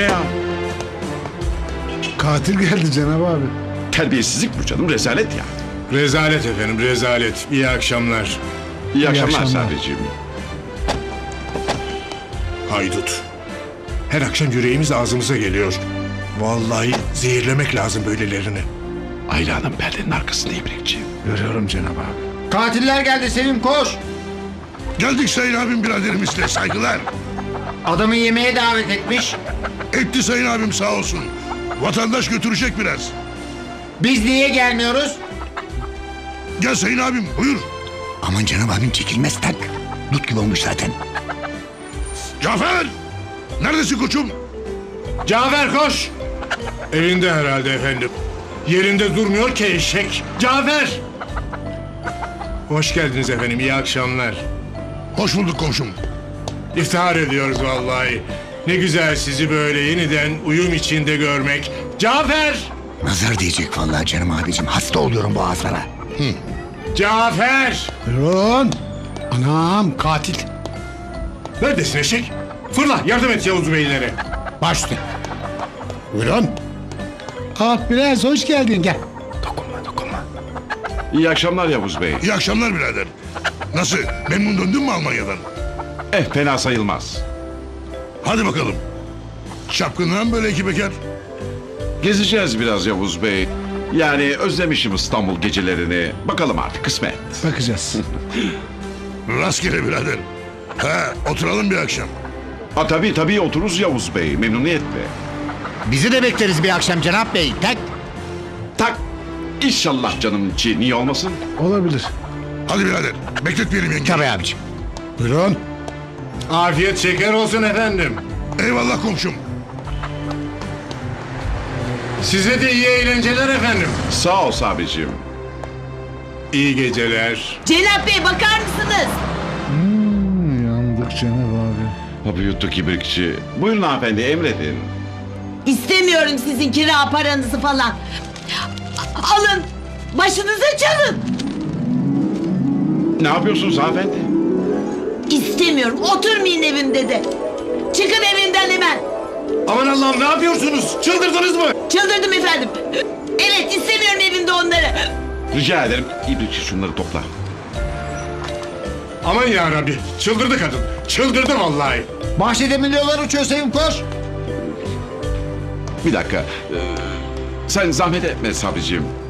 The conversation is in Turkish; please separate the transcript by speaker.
Speaker 1: ya?
Speaker 2: Katil geldi Cenab abi.
Speaker 3: Terbiyesizlik bu canım, rezalet ya.
Speaker 1: Rezalet efendim, rezalet. İyi akşamlar.
Speaker 3: İyi akşamlar
Speaker 2: akşamlar.
Speaker 3: Sabri'ciğim.
Speaker 1: Haydut. Her akşam yüreğimiz ağzımıza geliyor. Vallahi zehirlemek lazım böylelerini.
Speaker 3: Ayla Hanım perdenin arkasında İbrikçi.
Speaker 2: Görüyorum Cenab abi.
Speaker 4: Katiller geldi Sevim, koş.
Speaker 5: Geldik Sayın abim biraderimizle, saygılar.
Speaker 4: Adamı yemeğe davet etmiş.
Speaker 5: Etti Sayın abim, sağ olsun. Vatandaş götürecek biraz.
Speaker 4: Biz niye gelmiyoruz?
Speaker 5: Gel Sayın abim, buyur.
Speaker 6: Aman canım abim çekilmez tak. Dut gibi olmuş zaten.
Speaker 5: Cafer! Neredesin koçum?
Speaker 1: Cafer koş! Evinde herhalde efendim. Yerinde durmuyor ki eşek. Cafer! Hoş geldiniz efendim, iyi akşamlar.
Speaker 5: Hoş bulduk komşum.
Speaker 1: İftihar ediyoruz vallahi. Ne güzel sizi böyle yeniden uyum içinde görmek. Cafer!
Speaker 6: Nazar diyecek vallahi canım abicim. Hasta oluyorum boğazlara.
Speaker 1: Cafer!
Speaker 2: Buyurun. Anam katil.
Speaker 1: Neredesin eşek? Fırla, yardım et Yavuz beylere.
Speaker 2: Başla. Buyurun. Ah Biraz hoş geldin gel.
Speaker 3: İyi akşamlar Yavuz Bey.
Speaker 5: İyi akşamlar birader. Nasıl, memnun döndün mü Almanya'dan?
Speaker 3: Fena sayılmaz.
Speaker 5: Hadi bakalım. Çapkınlığa mı böyle iki bekar?
Speaker 3: Gezeceğiz biraz Yavuz Bey. Yani özlemişim İstanbul gecelerini. Bakalım artık, kısmet.
Speaker 2: Bakacağız.
Speaker 5: Rastgele birader. Oturalım bir akşam.
Speaker 3: Ha tabii otururuz Yavuz Bey, memnuniyetle.
Speaker 6: Bizi de bekleriz bir akşam Cenap Bey. Tak.
Speaker 3: Tak. İnşallah canım içi, niye olmasın?
Speaker 2: Olabilir.
Speaker 5: Hadi birader, bekletmeyelim yenge.
Speaker 6: Tabii abicim.
Speaker 2: Buyurun.
Speaker 1: Afiyet şeker olsun efendim.
Speaker 5: Eyvallah komşum.
Speaker 1: Size de iyi eğlenceler efendim.
Speaker 3: Sağ ol Sabri'ciğim.
Speaker 1: İyi geceler.
Speaker 7: Cenap Bey bakar mısınız?
Speaker 2: Yandık Cenab abi.
Speaker 3: Hapı yuttuk İbrikçi. Buyurun hanımefendi, emredin.
Speaker 7: İstemiyorum sizin kira paranızı falan. Alın, başınıza çalın.
Speaker 3: Ne yapıyorsunuz hanımefendi?
Speaker 7: İstemiyorum, oturmayın evimde de. Çıkın evimden hemen.
Speaker 1: Aman Allah'ım, ne yapıyorsunuz? Çıldırdınız mı?
Speaker 7: Çıldırdım efendim. Evet, istemiyorum evimde onları.
Speaker 3: Rica ederim, İbrikçi şunları topla.
Speaker 1: Aman ya Rabbi, çıldırdı kadın. Çıldırdı vallahi.
Speaker 4: Bahçede milyonlar uçuyor Sevim, koş.
Speaker 3: Bir dakika. Sen zahmet etme Sabri'ciğim.